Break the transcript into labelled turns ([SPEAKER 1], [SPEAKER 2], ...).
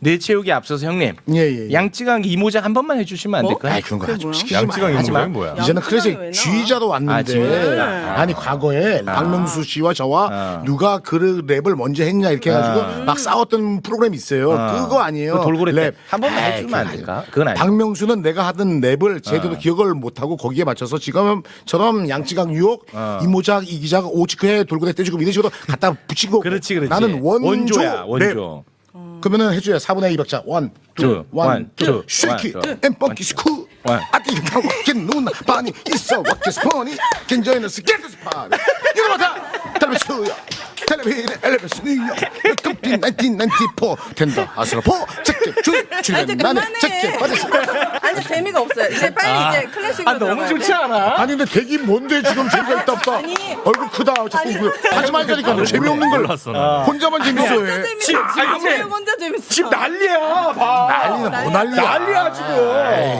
[SPEAKER 1] 뇌 채우기 앞서서 형님
[SPEAKER 2] 예.
[SPEAKER 1] 양쯔강 이모작 한 번만 해주시면 안
[SPEAKER 3] 뭐?
[SPEAKER 1] 될까요?
[SPEAKER 2] 아이 그런 거 하지 마.
[SPEAKER 3] 뭐야?
[SPEAKER 2] 시키지 마.
[SPEAKER 4] 양쯔강
[SPEAKER 2] 하지 마.
[SPEAKER 4] 이모작이 뭐야?
[SPEAKER 2] 이제는
[SPEAKER 3] 양쯔강이
[SPEAKER 2] 그래서
[SPEAKER 3] 왜 나와?
[SPEAKER 2] 지휘자도 왔는데
[SPEAKER 1] 지휘자.
[SPEAKER 2] 아니 과거에 박명수 씨와 저와 누가 그 랩을 먼저 했냐 이렇게 해가지고 막 싸웠던 프로그램이 있어요. 그거 아니에요.
[SPEAKER 1] 그 돌고래
[SPEAKER 2] 랩.
[SPEAKER 1] 한 번만
[SPEAKER 2] 에이,
[SPEAKER 1] 해주면 안
[SPEAKER 2] 그건
[SPEAKER 1] 될까? 그건 아니에요.
[SPEAKER 2] 박명수는 내가 하던 랩을 제대로 기억을 못하고 거기에 맞춰서 지금처럼 양쯔강 유혹, 이모작, 이기작, 오치크에 돌고래 떼주고 이런 식으로 갖다 붙인 거고
[SPEAKER 1] 그렇지.
[SPEAKER 2] 나는
[SPEAKER 1] 원조야
[SPEAKER 2] 랩.
[SPEAKER 1] 원조.
[SPEAKER 2] 그러면은 해줘야 4분의 2 박자 원,
[SPEAKER 1] 투,
[SPEAKER 2] 원, 투,
[SPEAKER 1] 원,
[SPEAKER 2] 쉐이키,
[SPEAKER 1] 투,
[SPEAKER 2] 앤 펑키 스쿠
[SPEAKER 1] 원.
[SPEAKER 2] 아띠 가와킨 누나 바니 있어 와키 스포니 겐저이는 스케트 스파 이러마다 텔레비스야 텔레비전 엘레베스 뉴욕 컴피 1994 텐더 아스라포 체크 출연
[SPEAKER 3] 이제
[SPEAKER 2] 나는
[SPEAKER 3] 그만해.
[SPEAKER 2] 체크 받았어
[SPEAKER 3] 아니 재미가 없어요. 이제 빨리 이제 클래식으로
[SPEAKER 1] 너무
[SPEAKER 3] 들어가야
[SPEAKER 1] 좋지
[SPEAKER 3] 돼.
[SPEAKER 1] 않아?
[SPEAKER 2] 아니 근데 되게 뭔데 지금 재미가 있다 없다
[SPEAKER 3] 아니.
[SPEAKER 2] 얼굴 크다 자꾸
[SPEAKER 3] 아니.
[SPEAKER 2] 하지 말자니까 재미없는 걸
[SPEAKER 4] 몰랐어, 나.
[SPEAKER 2] 혼자만 재밌어
[SPEAKER 3] 혼자
[SPEAKER 2] 해
[SPEAKER 3] 재밌어.
[SPEAKER 1] 아니,
[SPEAKER 3] 지금 혼자 재밌어.
[SPEAKER 1] 지금 난리야. 봐.
[SPEAKER 2] 난리나 뭐 난리야
[SPEAKER 1] 난리야 지금.